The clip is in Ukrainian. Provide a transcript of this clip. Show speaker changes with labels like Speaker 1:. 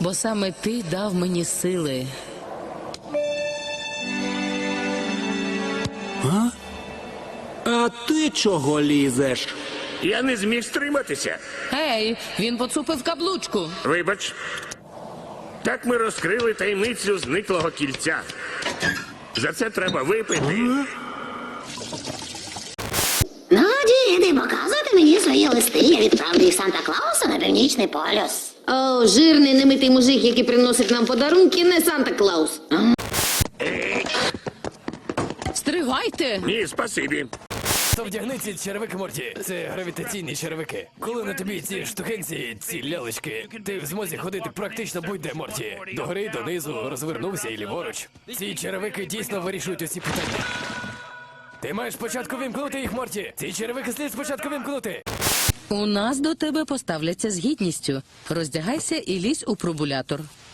Speaker 1: бо саме ти дав мені сили.
Speaker 2: А ти чого лізеш?
Speaker 3: Я не зміг стриматися.
Speaker 1: Ей, він поцупив каблучку.
Speaker 3: Вибач. Так ми розкрили таємницю зниклого кільця. За це треба випити.
Speaker 4: Ну, діти, показуйте мені свої листи. Я відправлю їх Санта-Клаусу на Північний полюс.
Speaker 5: О, жирний немитий мужик, який приносить нам подарунки, не Санта-Клаус.
Speaker 1: Стривайте!
Speaker 3: Ні, спасибі.
Speaker 6: То вдягни ці черевики, Морті. Це гравітаційні черевики. Коли на тобі ці штукенці, ці лялечки, ти в змозі ходити практично будь-де, Морті. Догори, донизу, розвернувся і ліворуч. Ці черевики дійсно вирішують усі питання. Ти маєш спочатку вимкнути їх, Морті. Ці черевики слід спочатку вимкнути.
Speaker 1: У нас до тебе поставляться з гідністю. Роздягайся і лізь у пробулятор.